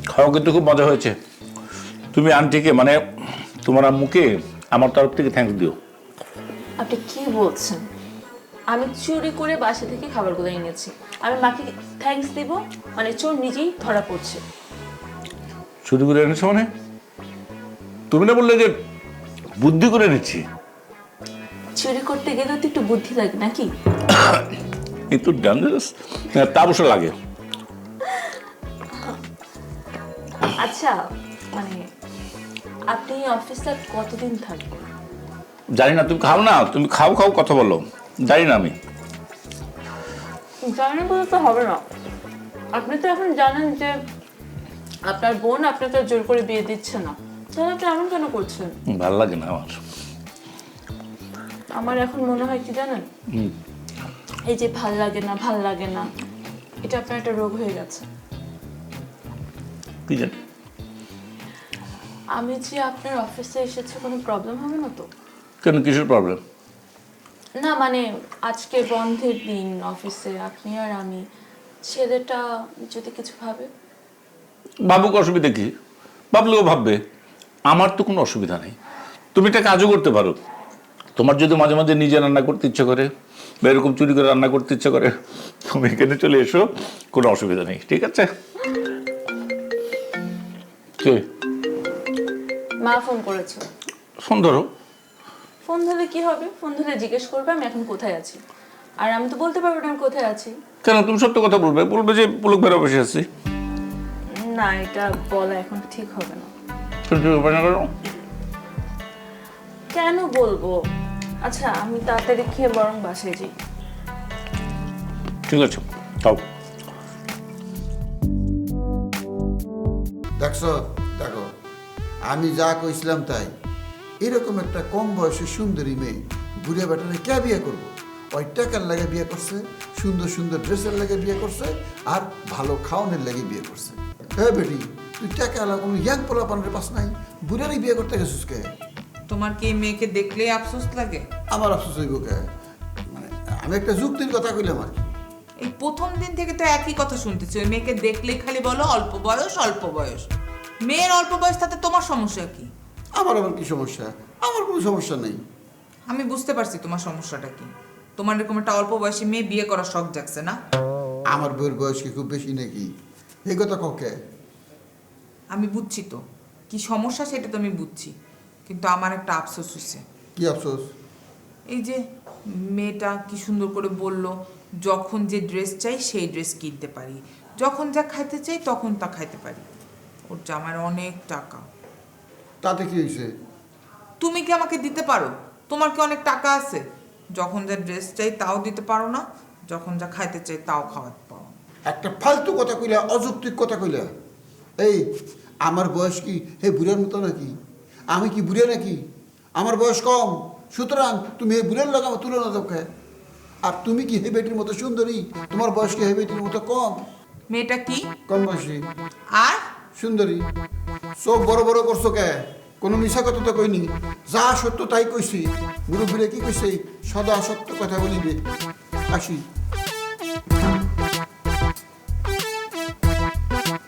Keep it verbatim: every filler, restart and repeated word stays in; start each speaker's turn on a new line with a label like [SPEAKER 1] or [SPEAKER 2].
[SPEAKER 1] খাওয়া কিন্তু খুব মজা হয়েছে। তুমি আন্টিকে মানে তোমার আম্মুকে আমার তরফ থেকে থ্যাঙ্কস দিও।
[SPEAKER 2] আপনি কি বলছেন? আমি চুরি করে বাসা থেকে খাবারগুলো এনেছি, আমি মাকে থ্যাঙ্কস দিব? মানে চোর নিজেই ধরা পড়ছে।
[SPEAKER 1] চুরি করে এনেছো মানে? তুমি না বললে যে বুদ্ধি করে এনেছি?
[SPEAKER 2] চুরি করতে গেলে তো একটু বুদ্ধি লাগে নাকি?
[SPEAKER 1] একটু ডেঞ্জারাস, তা অবশ্য লাগে।
[SPEAKER 2] আচ্ছা, মানে আপনি অফিসে কতদিন থাকবেন?
[SPEAKER 1] জানি না, তুমি খাও না, তুমি খাও খাও কথা বলো। জানি না আমি।
[SPEAKER 2] জানেন বলে তো হবে না। আপনি তো এখন জানেন যে আপনার বোন আপনাকে জোর করে বিয়ে দিচ্ছে না, তাহলে আপনি এমন কেন করছেন?
[SPEAKER 1] ভাল লাগে না আমার।
[SPEAKER 2] আমার এখন মনে হয় কি জানেন, এই যে ভাল লাগে না ভাল লাগে না, এটা আপনার একটা রোগ হয়ে গেছে।
[SPEAKER 1] কি জানি।
[SPEAKER 2] আমি যে আপনার অফিসে এসেছে কোনো প্রবলেম হবে না তো?
[SPEAKER 1] কেন, কিসের প্রবলেম?
[SPEAKER 2] না মানে আজকে বন্ধের দিন অফিসে, আপনি আর আমি, ছেলেটা যদি কিছু ভাবে?
[SPEAKER 1] ভাবুক, অসুবিধা কি? ভাবলেও ভাববে, আমার তো কোনো অসুবিধা নেই। তুমি একটা কাজও করতে পারো। তোমার যদি মাঝে মাঝে নিজে রান্না করতে ইচ্ছে করে বা এরকম চুরি করে রান্না করতে ইচ্ছে করে, তুমি এখানে চলে এসো, কোনো অসুবিধা নেই, ঠিক আছে? কে?
[SPEAKER 2] মা ফোন করেছে।
[SPEAKER 1] ফোন ধরো।
[SPEAKER 2] ফোন ধরলে কি হবে? ফোন ধরে জিজ্ঞেস করবে আমি এখন কোথায় আছি, আর আমি তো বলতে পারবো না আমি কোথায় আছি।
[SPEAKER 1] কেন, তুমি সত্য কথা বলবে, বলবে যে পুলক বেড়া বসে আছি।
[SPEAKER 2] না, এটা বলা এখন ঠিক হবে না। কেন বলবো? আচ্ছা, আমি তাড়াতাড়ি খেয়ে বরং বাসায় যাই।
[SPEAKER 1] ঠিক আছে, তাও।
[SPEAKER 3] দেখছো, দেখো আমি যা কইছিলাম তাই। এরকম একটা কম বয়সের সুন্দরী মেয়ে ঘুরে বেটারে কে বিয়ে করবো? ওই টাকার লাগে বিয়ে করছে, সুন্দর সুন্দর ড্রেসের লাগে বিয়ে করছে, আর ভালো খাওয়ানোর লাগে বিয়ে করছে। হ্যাঁ বেটি, তুই টাকা আলা কোনো ইয়াং পোলা পানের পাস নাই, বুড়ারই বিয়ে করতে গেছিস কে?
[SPEAKER 4] তোমার কি এই মেয়েকে দেখলেই আফসোস লাগে?
[SPEAKER 3] আমার আফসোস হইব কে? মানে আমি একটা যুক্তির কথা কইলাম আর কি।
[SPEAKER 4] এই প্রথম দিন থেকে তো একই কথা শুনতেছি, ওই মেয়েকে দেখলেই খালি বলো অল্প বয়স অল্প বয়স। মেয়ের অল্প বয়স, তাতে তোমার সমস্যা কি?
[SPEAKER 3] আমার আবার কি সমস্যা? আমার কোনো সমস্যা নেই।
[SPEAKER 4] আমি বুঝতে পারছি তোমার সমস্যাটা কি। তোমার এরকম একটা অল্প বয়সী মেয়ে বিয়ে করার শখ জাগছে না?
[SPEAKER 3] আমার বউয়ের বয়স কি খুব বেশি নাকি? এই কথা ককে?
[SPEAKER 4] আমি বুঝছি তো কি সমস্যা, সেটা তো আমি বুঝছি, কিন্তু আমার একটা আফসোস হচ্ছে।
[SPEAKER 3] কি আফসোস?
[SPEAKER 4] এই যে মেয়েটা কি সুন্দর করে বলল, যখন যে ড্রেস চাই সেই ড্রেস কিনতে পারি, যখন যা খাইতে চাই তখন তা খাইতে পারি। ওর জামার অনেক টাকা।
[SPEAKER 3] তাতে কি হয়েছে?
[SPEAKER 4] তুমি কি আমাকে দিতে পারো? তোমার কি অনেক টাকা আছে? যখন যা ড্রেস চাই তাও দিতে পারো না, যখন যা খাইতে চাই তাও খাওয়াতে পারো না।
[SPEAKER 3] একটা ফালতু কথা কইলা, অযৌক্তিক কথা কইলা। এই আমার বয়স কি হে বুড়ার মতো নাকি? আমি কি বুড়া নাকি? আমার বয়স কম, সুতরাং তুমি হে বুড়ার লাগে আমার তুলনা দাও খায়। আর তুমি কি হে বেটির মতো সুন্দরী? তোমার বয়স কি হে বেটির মতো কম?
[SPEAKER 4] মেয়েটা কি
[SPEAKER 3] কম বয়সী
[SPEAKER 4] আর
[SPEAKER 3] সুন্দরী। চোখ বড় বড় করছো কে? কোনো মিশা কথা তো কইনি, যা সত্য তাই কইছি। মুরব্বীরা কি কইছে, সদা সত্য কথা বলিবে। আসি।